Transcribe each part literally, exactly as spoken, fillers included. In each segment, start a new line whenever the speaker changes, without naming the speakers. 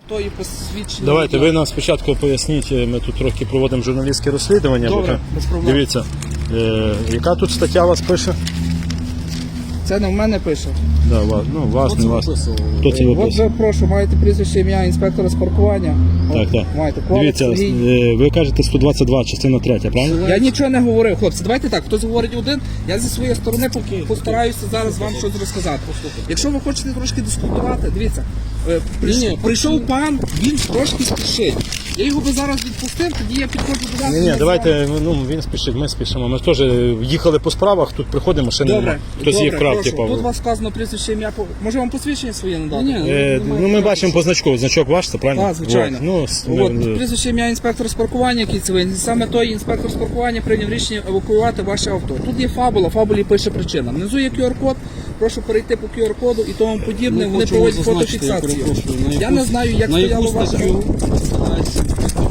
тої посвідчення.
Давайте, ви нам спочатку поясніть, ми тут трохи проводимо журналістське розслідування.
Добре, без проблем.
Дивіться, е, яка тут стаття у вас пише?
Це не в мене пише.
Да, вас, ну, вас,
Хто
не
це
вас.
виписував?
Хто це
От
виписав?
ви, прошу, маєте прізвище, ім'я інспектора з паркування.
Так, так.
Маєте Коваль
Дивіться,
Сергій.
е, ви кажете сто двадцять два, частина третя, правильно?
Я нічого не говорив, хлопці. Давайте так, хтось говорить один, я зі своєї сторони по- постараюся зараз вам щось розказати. Якщо ви хочете трошки дискутувати, дивіться, е, прийш-
Ні, ні,
прийшов пан, він трошки спішить. Я його би зараз відпустив, тоді я підходжу до вас.
Ні,
і
ні,
ми
давайте, ну, він спішить, ми спішимо. Ми теж їхали по справах, тут приходимо, ще
Добре,
немає. Хтось
добре,
їх вкрав,
прошу.
типу.
Тут у вас сказано прізвище, ім'я, по- може вам посвідчення своє надати?
Ні,
Е, ну, ми бачимо по значку, значок ваш, це правильно?
Так, звичайно.
От, ну, с-
От,
ну,
прізвище ім'я інспектора з паркування, який це ви. Саме той інспектор з паркування прийняв рішення евакуювати ваше авто. Тут є фабула, в фабулі пише причина. Внизу є ку ар код, прошу перейти по ку ар коду і тому подібне.
Ми
Вони
хочемо
проводять
зазначити, я
фотофіксацію.
перепрошую, на
Я
яку-
не знаю, як
на яку
стояло ваше
статтю
авто.
складається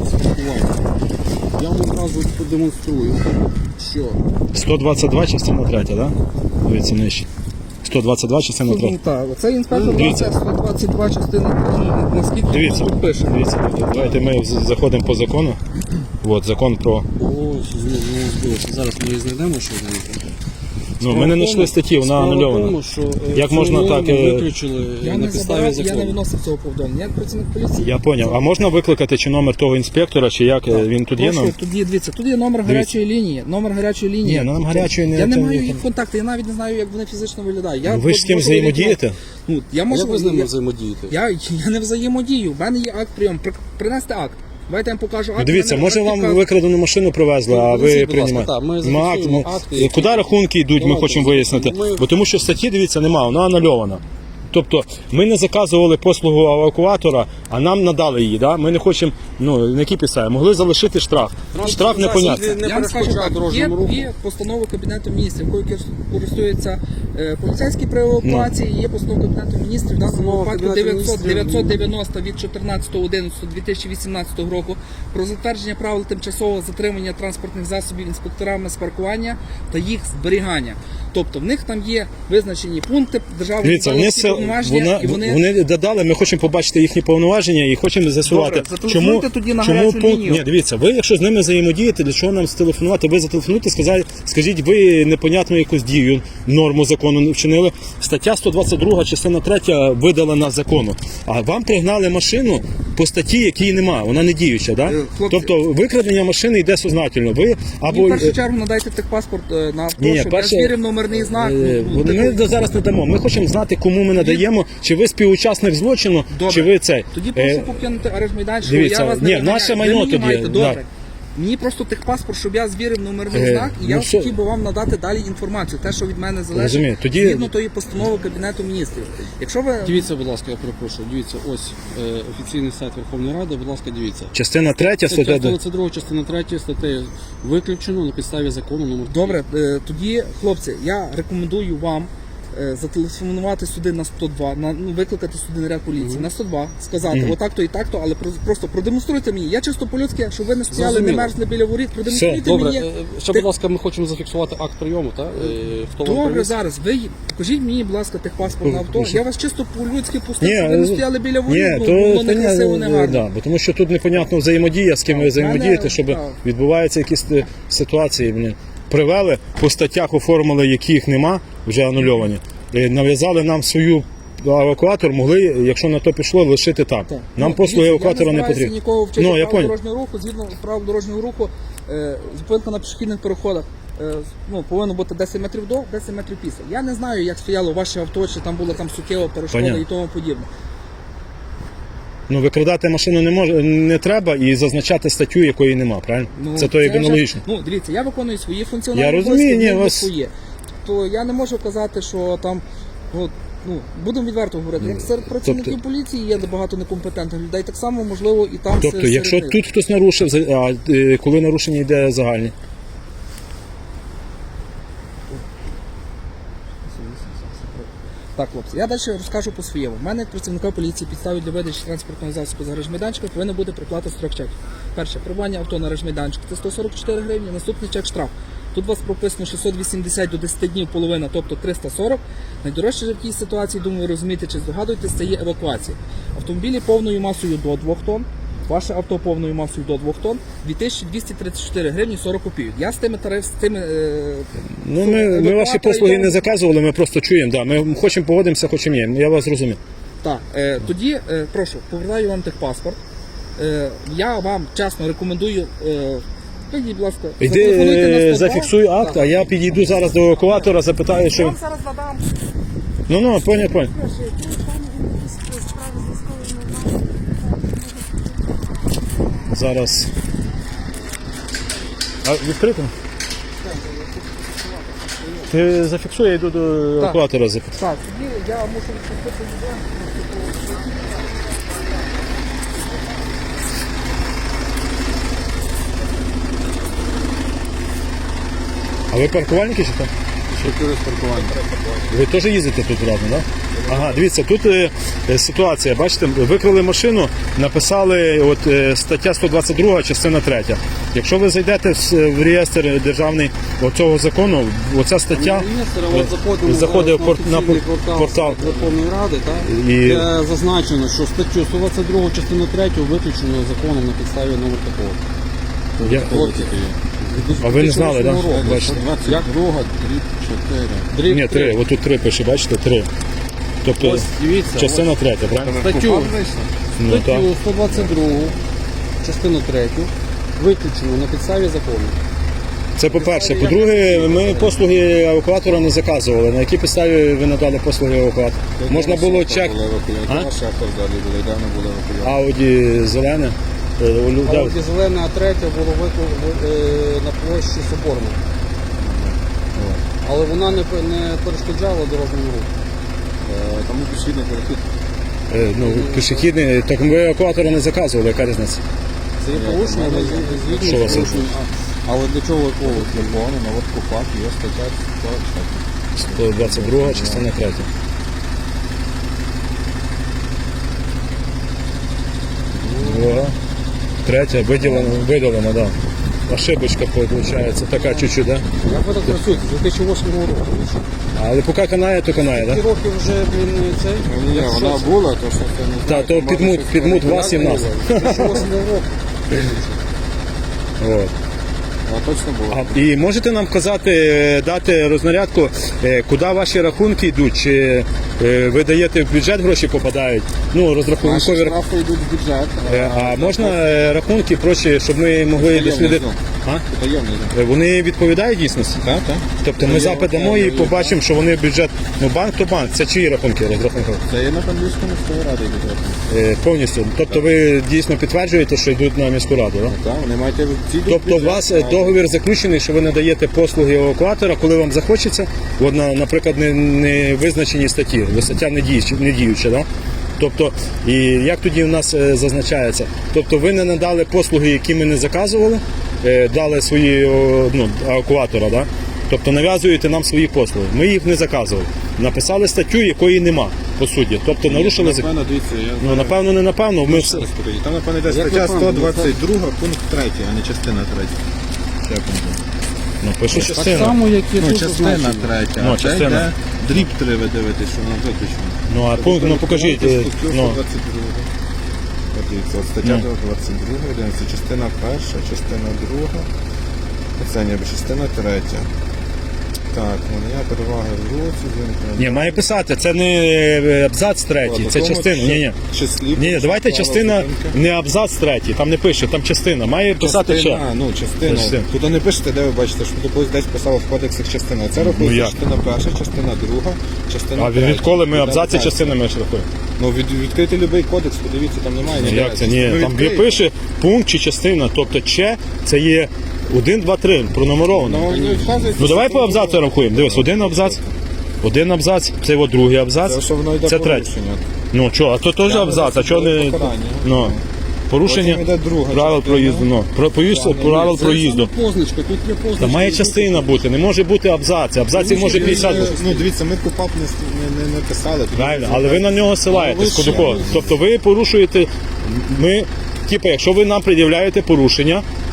увага. Я вам одразу продемонструю, що
сто двадцять два, частина третя, так? Да? Дивіться, нижче. сто двадцять два, частина
Ну,
третя.
так, оцей інспектор
Дивіться.
сто двадцять два частина, наскільки
Дивіться,
тут пише.
дивіться, давайте ми з- заходимо по закону. От, закон про...
о, знову збилося. Зараз ми її знайдемо, що знайдемо.
Ну, ми не знайшли статті, вона анульована.
Що, е,
Як
цю
можна
норму
так, е,
виключили
Я
на
не
підставі
забирав, я не
закону.
виносив цього повідомлення. Як працівник поліції.
Я зрозумів. А можна викликати чи номер того інспектора, чи як е, він тут є?
Прошу,
Нам?
тут є, дивіться, тут є номер гарячої лінії. Номер гарячої лінії.
Ні, ну, нам гарячої не-
Я не
це-
маю їх контактів, я навіть не знаю, як вони фізично виглядають. Я
Ви ж з
от
ким
можу
взаємодієте?
Ну, я
А
можу,
як ви з ними
я,
взаємодієте?
я, я не взаємодію. У мене є акт прийом. При- Принести акт. Давайте я вам покажу акт.
Ну, дивіться,
У мене
може
акт,
вам
яка-
викрадену машину привезли, а ви
Принесіть, будь ласка,
приймаєте.
так, ми
Ну, акт,
зафіксуємо
ну,
акти, які-
Куди рахунки йдуть, ми
Давайте,
хочемо вияснити.
ми-
Бо тому що статті, дивіться, немає, вона анульована. Тобто ми не заказували послугу евакуатора, а нам надали її. Да? Ми не хочемо, ну, на які підстави. Могли залишити штраф. Штраф непонятний.
Не
Я вам скажу
перешкоджає
так, є,
дорожньому руху.
є постанова Кабінету міністрів, якою кер- користуються е, поліцейські при евакуації, є постанова Кабінету міністрів, в даному
Постанова
випадку
Кабінету
дев'ятсот
Міністрів.
дев'ятсот дев'яносто від чотирнадцятого одинадцятого дві тисячі вісімнадцятого року про затвердження правил тимчасового затримання транспортних засобів інспекторами з паркування та їх зберігання. Тобто в них там є визначені пункти державної
Дивіться, вони, це, вона,
і вони...
вони додали, ми хочемо побачити їхні повноваження і хочемо з'ясувати,
Добре, зателефонуйте
чому,
тоді на
чому
гарячу
пункт.
лінію.
Ні, дивіться, ви якщо з ними взаємодієте, для чого нам зателефонувати? Ви зателефонуйте, сказали, скажіть, ви непонятну якусь дію, норму закону не вчинили. Стаття сто двадцять два, частина третя видалена закону. А вам пригнали машину по статті, якої немає, вона не діюча. Да?
Е, хлопці-
Тобто викрадення машини йде сознательно. Ви або
Мені в першу чергу надайте техпаспорт е, на авто,
Ні,
щоб
перше-
я звірив номерний знак.
Е,
ну,
Ми
типу,
до- зараз не дамо. Ми хочемо знати, кому ми надаємо, чи ви співучасник злочину,
Добре.
чи ви цей.
Тоді
Е,
прошу покинути арешт майданчик.
дивіться,
Я вас
ні,
не виганяю.
наше
Ви
майно
мені
тоді,
маєте,
да.
добре. Мені просто техпаспорт, щоб я звірив номерний
Е,
знак, і я
ну, що-
хотів би вам надати далі інформацію, те, що від мене залежить,
Розумію. Тоді-
згідно тої постанови Кабінету міністрів. Якщо ви
Дивіться, будь ласка, я перепрошую. Дивіться, ось е, офіційний сайт Верховної Ради, будь ласка, дивіться.
Частина третя,
Стаття
стаття.
сто двадцять два, частина третя статтею виключено на підставі закону номер
добре, е, тоді, хлопці, я рекомендую вам е, зателефонувати сюди на сто два, на, ну, викликати сюди наряд поліції на сто два, сказати
Мгм.
отак-то і так-то, але про- просто продемонструйте мені. Я чисто по-людськи, щоб ви не стояли, не
Зрозуміло.
мерзли біля воріт, продемонструйте
Все,
Добре,
мені.
е, ще, будь ласка, ми хочемо зафіксувати акт прийому, так? Е, Хто вам
Добре,
привіз?
зараз ви покажіть мені, будь ласка, техпаспорт на авто. Я вас чисто по-людськи пустив,
Ні,
щоб ви не
е,
стояли біля воріт,
Ні,
ну,
то,
було
то
не красиво, не
ні,
гарно.
да, бо тому що тут непонятно взаємодія, з ким ви
Так,
взаємодієте,
мене-
щоб
так.
відбуваються якісь е, ситуації. Блін. Привели, по статтях оформили, яких нема, вже анульовані. Е, Нав'язали нам свою евакуатор, могли, якщо на то пішло, лишити там.
Так.
Нам
Ну,
послуги
дивіться,
евакуатора
я
не
не
потрібні.
нікого вчити
Ну, я
правил
понял.
дорожнього руху, згідно правил дорожнього руху, е, зупинка на пішохідних переходах е, ну, повинно бути десять метрів до, десять метрів після. Я не знаю, як стояло ваше авто, чи там була там суттєва перешкода
Понятно.
і тому подібне.
Ну, викрадати машину не може, не треба і зазначати статтю, якої нема, правильно?
Ну,
це то як
вже-
аналогічно.
Ну, дивіться, я виконую свої функціональні
Я розумію,
обов'язки,
ні,
в них
вас-
своє. То я не можу казати, що там, от, ну, будемо відверто говорити, як серед працівників
тобто-
поліції є багато некомпетентних людей, так само, можливо, і там
Тобто,
серед
якщо
них.
тут хтось нарушив, за- а е, коли нарушення йде загальні?
Так, хлопці, я далі розкажу по своєму. У мене як працівника поліції підстави для видачі транспортного засобу з гаражмайданчика повинна бути приплата з трьох чеків. Перше, прибування авто на гаражмайданчик – це сто сорок чотири гривні, наступний чек штраф. Тут у вас прописано шістсот вісімдесят до десяти днів половина, тобто триста сорок. Найдорожче в такій ситуації, думаю, ви розумієте чи здогадуєтесь, це є евакуація. Автомобілі повною масою до двох тонн, ваше авто повною масою до двох тонн, дві тисячі двісті тридцять чотири гривні сорок копійок. Я з тими тариф, з тими... Е,
Ну, ми, ми ваші
евакуатори
послуги
йдемо.
не заказували, ми просто чуємо. Да. Ми хочемо погодимося, хочемо ні. Я вас зрозумів.
Так, е, тоді, е, прошу, повертаю вам техпаспорт. Е, я вам чесно рекомендую, е, підійдіть, будь ласка,
Йди,
зателефонуйте на
е,
сто два.
зафіксуй акт,
Так.
а я підійду зараз до евакуатора, запитаю,
Я
що...
вам зараз надам.
Ну, ну, поняв, поняв. Зараз. А відкрито? Ти зафіксуй, я йду до евакуатора запитаю.
Так, тоді я мушу відпустити людей.
А ви паркувальники чи так?
Чотири з паркування.
Ви теж їздите тут разом, так? Да? Ага, дивіться, тут е, е, ситуація, бачите, викрали машину, написали от, е, стаття сто двадцять два, частина третя. Якщо ви зайдете в, с- в реєстр державний оцього закону, оця стаття
От заходимо
заходить
зараз
в пор- на
офіційний
пор- портал.
Верховної Ради, так?
І-
Де зазначено, що статтю сто двадцять два частину третю виключено законом на підставі номер такого.
Я- А ви не знали, так? Да? Бачите?
Як?
Друга, дріб, чотири.
Дріб
Ні, три, отут три пише, бачите, три. Тобто
Ось, дивіться,
частина третя, правильно?
Статтю,
Ну, так.
статтю сто двадцять два, частину третю, виключено на підставі закону.
Це по-перше. По-друге, ми послуги евакуатора не заказували. На якій підставі ви надали послуги евакуатора? Можна було чек. А?
Ваші авто взагалі були, давно були евакуйовані.
Ауді зелене. Е, у лю- да.
Ауді зелена, а третя було виклик на площі Соборна. Але вона не, пе- не перешкоджала дорожньому руху.
Е, Тому пішохідний перехід.
Е, Ну, пішохідний, так ви евакуатора не заказували, яка різниця?
Це є порушення, але з-
Що
згідно
вас
з порушенням. А- Але для чого викликати?
Закону, на от КУПАК є стаття сорок четыре.
сто двадцять два, частина третя. Друга. Третя, виділена, виділена, да. Ошибочка виходить, така чуть-чуть, да?
Як ви так працюєте? З дві тисячі восьмого року.
Але поки канає, то канає,
Ті
да?
роки вже, блін, цей.
Ні,
Як
вона
що це?
була, то що це не
Та,
знаю,
то
може,
підмут,
щось
підмут
перебирали.
вас і в нас.
з дві тисячі восьмого року.
От.
А точно було.
А, і можете нам казати, е, дати рознарядку, е, куди ваші рахунки йдуть? Чи е, ви даєте в бюджет гроші попадають? Ну,
Наші
розрахункові рахунки.
штрафи йдуть в бюджет.
Е, А можна е, рахунки прочі, щоб ми могли
Таємний
дослідити?
знак.
А?
Таємний знак.
Е, Вони відповідають дійсності?
Так, так.
Тобто ми запит дамо і побачимо, що вони бюджет. Ну, банк то банк, це чиї рахунки розрахункові?
Це є на Кам'янському міської ради бюджет.
Е, Повністю. Тобто ви дійсно підтверджуєте, що йдуть на міську раду, так?
Так, вони мають ці
Тобто у вас е, договір заключений, що ви надаєте послуги евакуатора, коли вам захочеться, от, на- наприклад, не, не визначені статті, бо стаття не діюча, не діюча, да? Тобто, і як тоді у нас е, зазначається? Тобто ви не надали послуги, які ми не заказували, е, дали свої о, ну, евакуатора, да? Тобто нав'язуєте нам свої послуги. Ми їх не заказували. Написали статтю, якої нема, по суті. Тобто нарушили закон.
Напевно, дивіться, я
Ну, напевно, не напевно. Ми все.
Розповідь. Там, напевно, йде
Як
стаття
напевно?
сто двадцять два, пункт третій, а не частина третя. Як він буде?
Ну, пише
Так
частина.
само, як і
Ну,
тут
частина
зазначено.
третя.
Ну,
а це
частина.
йде дріб три, ви дивитесь, що воно виключено.
Ну, а пункт, ну покажіть. е,
Статтю
Ну,
сто двадцять два. От дивіться, от стаття
Ну.
двадцять два, дивіться, частина перша, частина друга, це ніби частина третя. Так, надання переваги в руці, він
ні, має писати, це не е, абзац третій, це частина. Ні, ні.
Числі.
Ні, ні, давайте
права
частина,
зупинки.
не абзац третій, там не пише, там частина. Має писати ще.
Частина, ну, частина.
Частина.
Тут не пишете, де ви бачите, що тут колись десь писало в кодексах частина. Це
Ну,
рахується
як?
частина перша, частина друга, частина
А
третя.
відколи ми
Де
абзаці
далі?
частинами рахуємо?
Ну, від, відкрити будь-який кодекс, подивіться, там немає. ніде.
Як це? Ні,
Ну,
там
відкрийте.
пише пункт чи частина, тобто че це є один, два, три, пронумеровано.
Ну, не вказується,
Ну давай
що
по
це
абзацу рахуємо. Дивись, один абзац, один абзац, це от другий
Це
абзац,
що воно йде
це третій.
порушення.
Ну що, а то теж
Я
абзац, а
не
чого не
покарання.
ну, порушення
Потім йде друга
правил
частина.
проїзду. Ну, про поїзд- правил
Це
проїзду.
саме позначка, тут є позначка.
Та має
і
частина бути, не може бути абзац. Абзаців може п'ятдесят бути.
Ну, дивіться, ми КУПАП не, не, не, не писали. Тоді
Правильно, але ви на нього силаєтесь.
Але ви
Кудикова.
що?
Тобто ви порушуєте. Ми, типу, якщо ви нам пред'являєте порушення,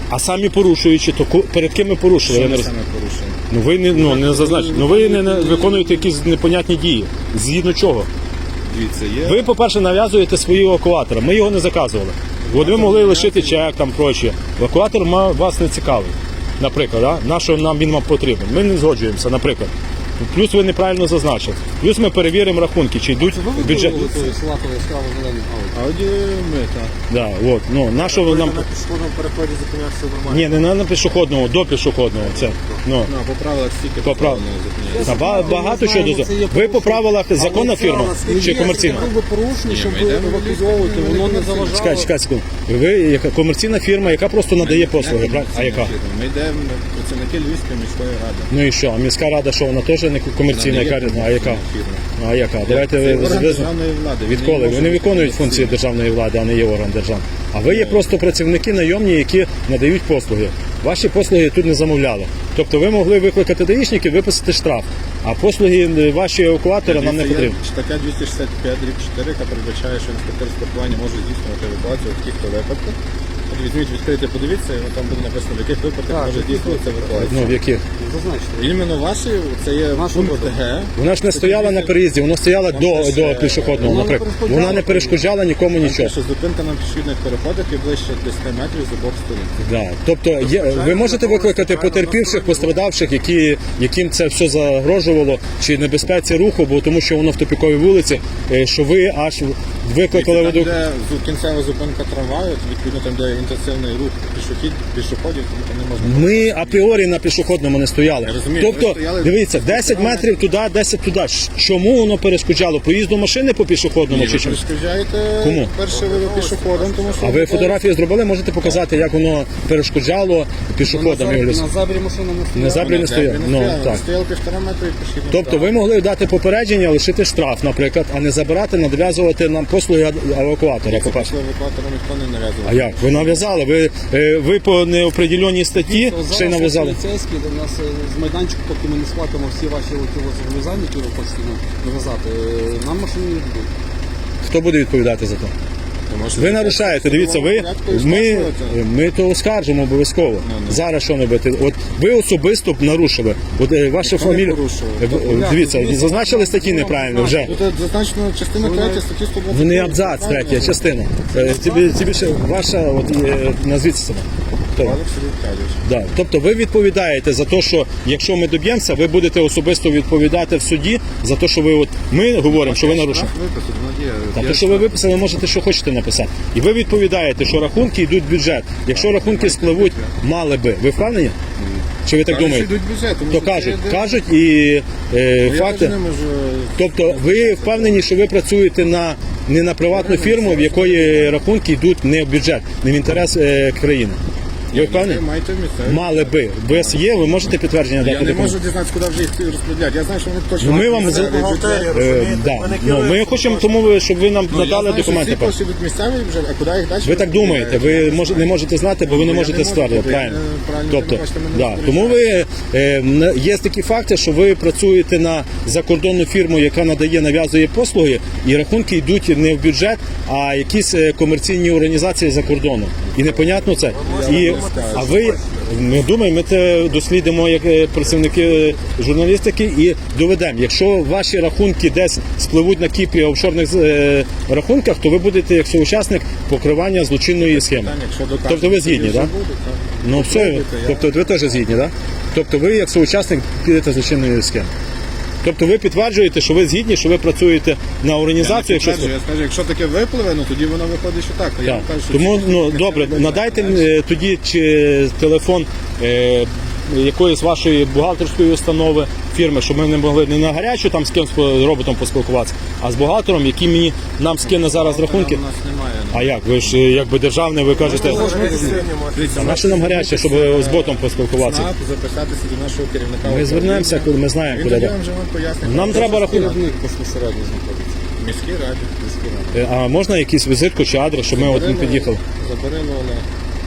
А самі порушуючи, то ку- перед ким ми порушили? Я
Що
не
ми
роз...
саме порушуємо?
Ну ви не ну не зазначите. Ну ви не, не виконуєте якісь непонятні дії. Згідно чого?
Дивіться, є.
Ви, по-перше, нав'язуєте свої евакуатора. Ми його не заказували. От ви могли лишити чек там прочі. Евакуатор ма- вас не цікавий. Наприклад, да? на що нам він вам потрібен? Ми не згоджуємося, наприклад. Плюс ви неправильно зазначили. Плюс ми перевіримо рахунки, чи йдуть в бюджет.
Салатовий яскраво зелений ауді.
Ауді ми, так.
Да, от, ну, на що ви нам...
На пішохідному переході зупинявся нормально.
Ні, не на, на пішохідному, до пішохідного. Це, ну,
Ну, а по правилах стільки
По прав-
не зупиняється.
та ба- багато чого дозволяє. Ви по правилах законна фірма чи комерційна?
Якби порушення, щоб
ми
ви
йдемо в
евакуйовувати,
ліс, ми
воно
не
не заважало.
Чекай, чекай секунду. Ви яка комерційна фірма, яка просто надає послуги, правильно? А яка?
Ми йдемо працівники Львівської міської ради.
Ну і що? А міська рада, що вона теж не комерційна, яка а яка?
Фірма.
А яка? Давайте
Це
ви
орган
ви-
державної влади. Він
відколи
не
вони
може
виконують
бути
функції державної влади, а не є орган держави. А ви є просто працівники найомні, які надають послуги. Ваші послуги тут не замовляли. Тобто ви могли викликати даїшників, виписати штраф, а послуги ваші евакуатора нам не
Дивіться, є
потрібні.
Стаття двісті шістдесят п'ять дріб чотири, яка передбачає, що інспектор з паркування може здійснювати евакуацію в таких-то випадках. От візьміть, відкрийте, подивіться, і там буде написано, в яких випадках може здійснюватися евакуація.
Ну, в яких?
Зазначте.
Іменно ваші, це є
Наш
пункт
випадок.
Г.
Вона ж не стояла на переїзді, вона стояла до,
ж,
до
е,
пішохідного,
вона не
наприклад.
перешкоджала.
Вона не перешкоджала нікому нічого.
Що зупинка на пішохідних переходах і ближче десять метрів з обох сторін.
Да. Тобто є, ви можете викликати потерпівших, пострадавших, які, яким це все загрожувало, чи небезпеці руху, бо тому що воно в тупіковій вулиці, е, що ви аж викликали
Там,
воду.
де зу- кінцева зупинка трамваю, відповідно там, де інтенсивний рух пішохід, пішоходів, тому там не можна.
Ми апріорі на пішохідному не стояли.
Я розумію, ви
Тобто,
стояли-
дивіться, десять метрів туди, десять туди. Ш- Чому воно перешкоджало? Проїзду машини по пішохідному
Ні,
чи
ви
чому?
перешкоджаєте
Кому?
перше ви пішоходом, тому що...
А ви фотографії зробили, можете показати, як воно перешкоджало пішоходам?
На
Юліс?
забрі машина не
На
стояла.
забрі не стояв. Ну, так.
Стояли півтора метра і пішохідний.
Тобто ви могли дати попередження, лишити штраф, наприклад, а не забирати, нав'язувати нам послуги ад- евакуатора. По-перше.
Після евакуатора ніхто не нав'язував.
А як? Ви нав'язали? Ви, е, ви по неопределеній статті ще й нав'язали?
Поліцейські до нас е, з майданчику, поки ми не сплатимо всі ваші оті от зобов'язання, які ви хочете нам нав'язати, е, нам машини не дадуть.
Хто буде відповідати за це?
Тому що
Ви
це
нарушаєте, дивіться, ви,
порядку і
ми,
скасуєте.
ми то оскаржимо обов'язково.
Ну, ну.
Зараз що робити? От ви особисто б нарушили. От е, ваша
Ніхто не
фамілія.
порушував.
Е, в- Дивіться, зазначили статті неправильно вже.
Тут зазначено частина третя статті сто двадцять.
Вони абзац, третя частина. Е, Тобі, тобі ще ваша, от, е, назвіться себе. Хто?
Павлик Сергій Віталійович.
Да. Тобто ви відповідаєте за те, що якщо ми доб'ємося, ви будете особисто відповідати в суді за те, що ви от ми говоримо, що ви нарушили.
Штраф виписати, ну, є.
Та
Є
то, що ви виписали, можете що хочете написати. І ви відповідаєте, що рахунки йдуть в бюджет. Якщо рахунки спливуть, мали би. Ви впевнені? Чи ви так
Кажуть,
думаєте?
що йдуть бюджет, тому
То
що це
кажуть,
йде-
кажуть і е,
Ну, я
факти.
теж не можу...
Тобто ви впевнені, що ви працюєте на не на приватну фірму, в якої рахунки йдуть не в бюджет, не в інтерес е, країни. Ви впевнені?
Ви маєте місце.
Мали би. У вас є, ви можете підтвердження
Я
дати?
не
документ?
можу дізнатися, куди вже їх розподіляти. Я знаю, що вони точно...
Ну, ми вам
місцевий
за-
бюджет.
Е, да. Ну, ми хочемо тому, ви- щоб ви нам
Ну, я
надали
знаю, що
документи.
всі кошти йдуть місцевий бюджет, а куди їх далі?
Ви так думаєте, ви мож, не можете знати, бо ви не
Я не
можете
можу,
ствердити,
бо я
правильно?
не- правильно,
Тобто,
ви бачите, мене
да.
не
Тому ви е, м, є такі факти, що ви працюєте на закордонну фірму, яка надає, нав'язує послуги, і рахунки йдуть не в бюджет, а якісь е, комерційні організації за кордоном. І непонятно це. І, а ви, ми думаємо, ми це дослідимо як е, працівники журналістики і доведемо. Якщо ваші рахунки десь спливуть на Кіпрі офшорних е, рахунках, то ви будете як соучасник покривання злочинної схеми.
Питання, якщо докажуть,
Тобто ви
що
згідні,
вже
так?
буде, так.
Ну все,
Попробуйте, я-
тобто ви теж згідні, так? Тобто ви як соучасник підете злочинної схеми. Тобто ви підтверджуєте, що ви згідні, що ви працюєте на
Я
організацію,
не
якщо
підтверджую, я скажу, якщо таке випливе, ну тоді воно виходить, що так. А я
так.
вам кажу, що
Тому
ці-
ну
ці-
добре,
ці-
надайте
далі.
е, тоді чи телефон е, якоїсь вашої бухгалтерської установи, фірми, щоб ми не могли не на гарячу там з кимось з роботом поспілкуватися, а з бухгалтером, який мені нам скине зараз рахунки.
У нас немає. ну.
А як? Ви ж е, якби державне, ви кажете,
Дивіться,
а на що нам гаряче, щоб з ботом поспілкуватися?
СНАП, записатися до нашого керівника.
Ми звернемося, коли ми знаємо,
Він
куди.
тоді
да.
вам вже вам пояснить.
Нам треба рахунок.
Керівник безпосередньо знаходиться.
Міській раді. Міській раді.
Е, А можна якийсь візитку чи адрес, щоб ми от не під'їхали?
Заберемо, але...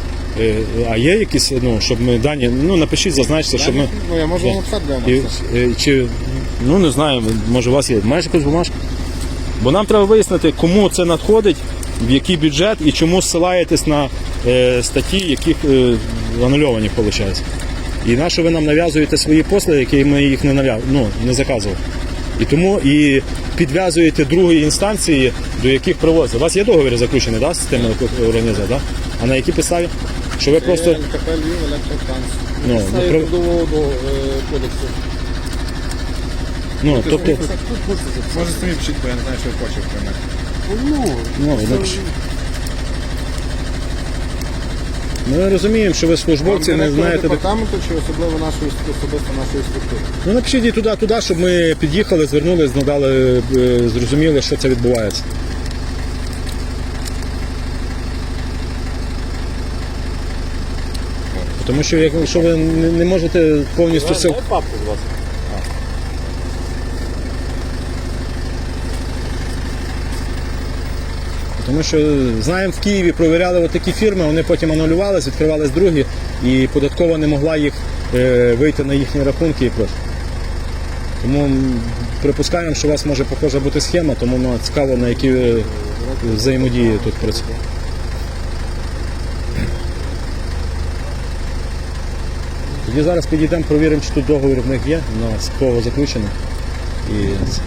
Е, А є якісь, ну, щоб ми дані, ну напишіть, зазначте, щоб ми.
Ну, я можу
Да.
вам написати для
І,
нас.
е, чи, ну не знаю, може у вас є. Маєш якусь бумажку? Бо нам треба вияснити, кому це надходить, в який бюджет і чому ссилаєтесь на е, статті, яких е, анульовані, виходить. І на що ви нам нав'язуєте свої послуги, які ми їх не нав'яз... ну, не заказували. І тому і підв'язуєте другої інстанції, до яких привозять. У вас є договір заключений, да, з тими організаціями, да? А на якій підставі? Що ви просто...
Це ЛКП Львів, електротранс.
Ну,
Це
ну, про-
трудового до, е, кодексу.
ну, тобто,
Тут можете записати.
Може самі пишіть, бо я не знаю, що ви хочете про мене.
Ну,
ну,
це-
напишіть. Ми розуміємо, що ви службовці, не
Директора
знаєте... де-
департаменту чи особливо нашої особисто нашої структури?
Ну напишіть і туди, туди, щоб ми під'їхали, звернулись, надали, е, зрозуміли, що це відбувається. Тому що якщо ви не не можете повністю сил.
Дай папку, будь ласка.
Тому що знаємо, в Києві провіряли от такі фірми, вони потім анулювалися, відкривались другі, і податкова не могла їх е, вийти на їхні рахунки і просто. Тому м, припускаємо, що у вас може похожа бути схема, тому ну, цікаво, на які е, взаємодії тут працює. Тоді зараз підійдемо, провіримо, чи тут договір в них є, на кого заключений. І...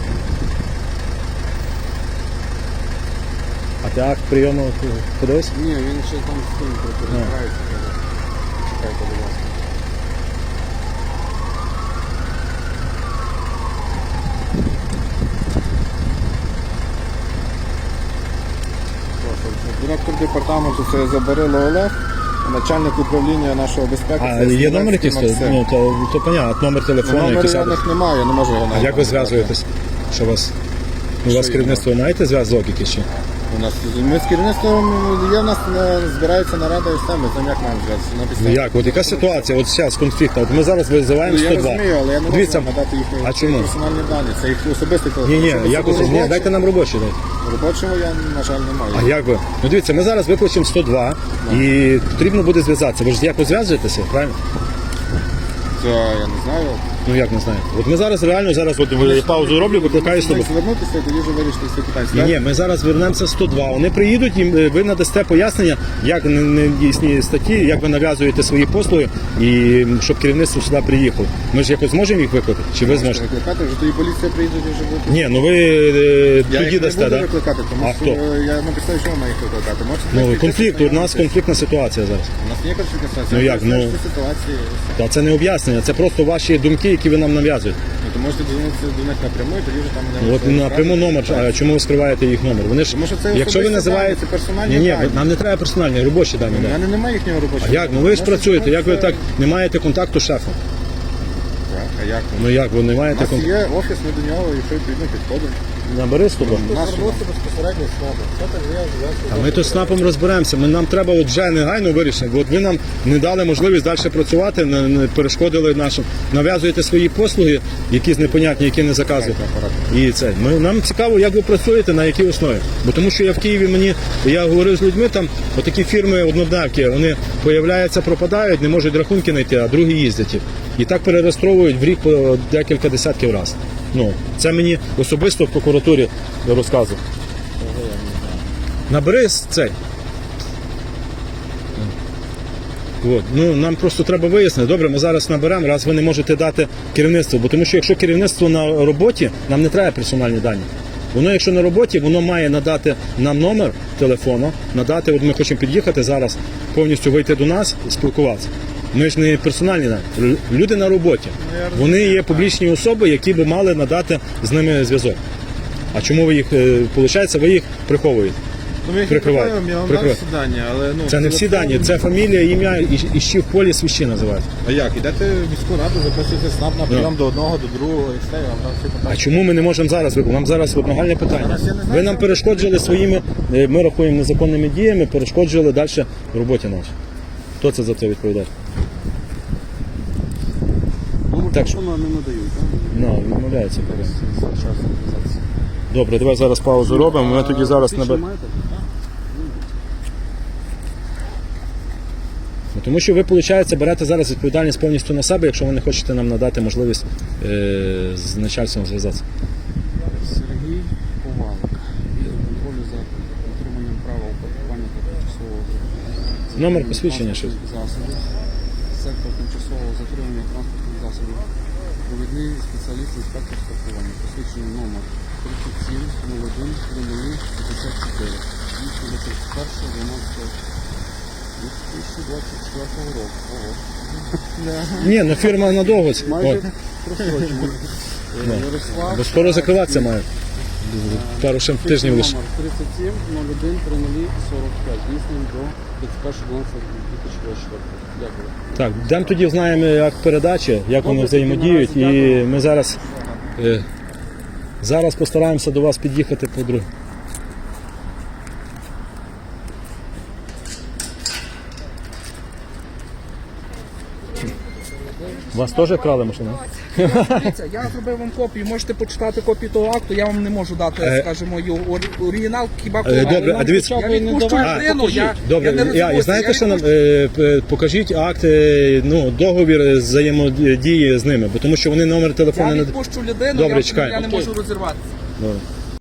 А ти акт прийому подивився?
Ні, він ще там з тим розбирається. Чекайте, будь ласка. Прошу. Директор департаменту це Забарило Олег, начальник управління нашого безпеки.
А
це
є номер якийсь?
Максим.
Ну, то, то понятно, номер телефону,
Номеру
якийсь
я
адрес.
них немає, я не можу його
А
навіть
як ви
назвати.
зв'язуєтесь? Що у вас? У вас
Що
керівництво маєте зв'язок якийсь? Чи?
У нас ми з керівництвом є, в нас е, збирається нарада і все, ми там як маємо зв'язатися на
Ну
підставі.
як? От яка ситуація? От зараз конфлікт. От ми зараз визиваємо
Ну, я
сто два.
розумію, але я не можу
Дивіться,
вам надати їхні
а чому?
персональні дані. Це їх особистий телефон.
Ні, ні,
Якщо
як
це
ось, ні,
робочий-
дайте нам робочі дайте.
Робочого я, на жаль, не маю.
А як ви? Ну дивіться, ми зараз викличемо сто два і потрібно буде зв'язатися. Ви ж якось зв'язуєтеся, правильно?
Це я не знаю.
Ну як не знаю. От ми зараз реально зараз от я паузу роблю, викликаю сто два.
Звернутися і тоді вже вирішити всі питання.
Ні, ні, ми зараз вернемося сто два. Вони приїдуть, і е, ви надасте пояснення, як не- не дійсні статті, як ви нав'язуєте свої послуги, і щоб керівництво сюди приїхало. Ми ж якось зможемо їх викликати? Чи ви зможете?
Викликати, вже тоді поліція приїде і вже буде.
Ні, ну ви е,
Я
тоді
їх не
дасте,
буду
так?
викликати, тому
А
що
хто?
е, я на підставі чого маю їх викликати. Можете
Ну,
знайти
конфлікт,
якісь
у нас
нюанси?
конфліктна ситуація зараз.
У нас є конфліктна ситуація.
Ну,
Я
як,
поясню,
ну-
що ситуації.
Та це не об'яснення, це просто ваші думки, які ви нам нав'язуєте.
Ну, то можете дзвонитися до них напряму, і тоді вже там мене
Ну, От
можете
напряму
розібрати.
номер, а чому ви скриваєте їх номер? Вони ж,
Тому що це
якщо ви
особисті
називаєте...
дані, це персональні
Ні, ні,
дані.
нам не треба персональні, робочі дані.
У
да.
мене немає їхнього робочого.
А як? Ну ви ж
Можете
працюєте, як ви
звернутися-
так не маєте контакту з шефом?
Так, а як?
Ну як ви не
У
маєте
нас
контакту?
є офіс, ми до нього, якщо відповідно підходимо.
Набери сто два.
Звернутися безпосередньо з СНАПом. Це так я зв'язку.
А ми то з СНАПом розберемося. Ми, нам треба от вже негайно вирішення. От ви нам не дали можливість далі працювати, не, не перешкодили нашим. Нав'язуєте свої послуги, якісь непонятні, які не заказуєте. І це. Ми, нам цікаво, як ви працюєте, на якій основі. Бо тому що я в Києві мені, я говорив з людьми, там отакі фірми однодневки, вони появляються, пропадають, не можуть рахунки знайти, а другі їздять. І так перереєстровують в рік по декілька десятків разів. Ну, це мені особисто в прокуратурі розказує. Набери з цей. От. Ну, нам просто треба вияснити. Добре, ми зараз наберемо, раз ви не можете дати керівництву. Бо тому що якщо керівництво на роботі, нам не треба персональні дані. Воно, якщо на роботі, воно має надати нам номер телефону, надати, от ми хочемо під'їхати зараз, повністю вийти до нас і спілкуватися. Ми ж не персональні дані. Лю- Люди на роботі. Вони є публічні особи, які би мали надати з ними зв'язок. А чому ви їх, виходить, ви їх приховуєте?
Ну, ми їх
Прикривайте.
прикриваємо, я вам дав
Прикривайте.
всі дані, але ну...
Це не всі дані, це фамілія, ім'я і, і ще в полі свищі називають.
А як? Ідете в міську раду, записуєте СНАП на прийом до одного, до другого, і все, я вам дам всі
А
питання.
чому ми не можемо зараз виконати? Нам зараз от нагальне питання.
Зараз я не знаю,
Ви нам
що-
перешкоджили своїми, е, ми рахуємо незаконними діями, перешкоджили далі роботі нашій. Хто це за це відповідає?
Ну,
Так що-
що нам не надають, так?
Ну, відмовляється.
Зараз зв'язатися.
Добре, давай зараз паузу робимо. Ми тоді зараз
Більше
наберемо.
маєте?
Ну, тому що ви, виходить, берете зараз відповідальність повністю на себе, якщо ви не хочете нам надати можливість е, з начальством зв'язатися.
Сергій Повалик. Відділ контролю за дотриманням права упорядкування та тимчасового
Номер посвідчення щось.
засобів. сектор тимчасового затримання транспортних засобів. Провідний спеціаліст інспектор страхування. Посвідчений номер тридцять сім нуль один п'ятдесят чотири. двадцять перше дванадцяте дві тисячі двадцять четвертого року. Ого.
Ні, ну фірма надовго.
Майже
От,
просрочено. Е, Ярослав.
бо скоро закриватися має. Пару ще тижнів лише.
Номер тридцять сім нуль один тридцять сорок п'ять. Дійсним до тридцять перше дванадцяте дві тисячі двадцять четвертого. Дякую.
Так, йдемо тоді знаємо, як передачі, як вони
Добре,
взаємодіють,
тоді наразі
і
дякую.
ми зараз, е, зараз постараємося до вас під'їхати по друг. Вас теж крали машину?
Дивіться, я зробив вам копію, можете почитати копію того акту, я вам не можу дати,
Е,
скажімо, його ор- оригінал, хіба
Е,
коли
добре, а дивіться,
я відпущу
А,
людину, я, я
Добре,
не
я,
розумію.
і знаєте, що нам е, п- покажіть акт, е, ну, договір взаємодії з ними, бо тому що вони номер
Я
телефону не.
відпущу людину,
Добре,
я,
чекаємо.
я не можу розірватися.
Добре.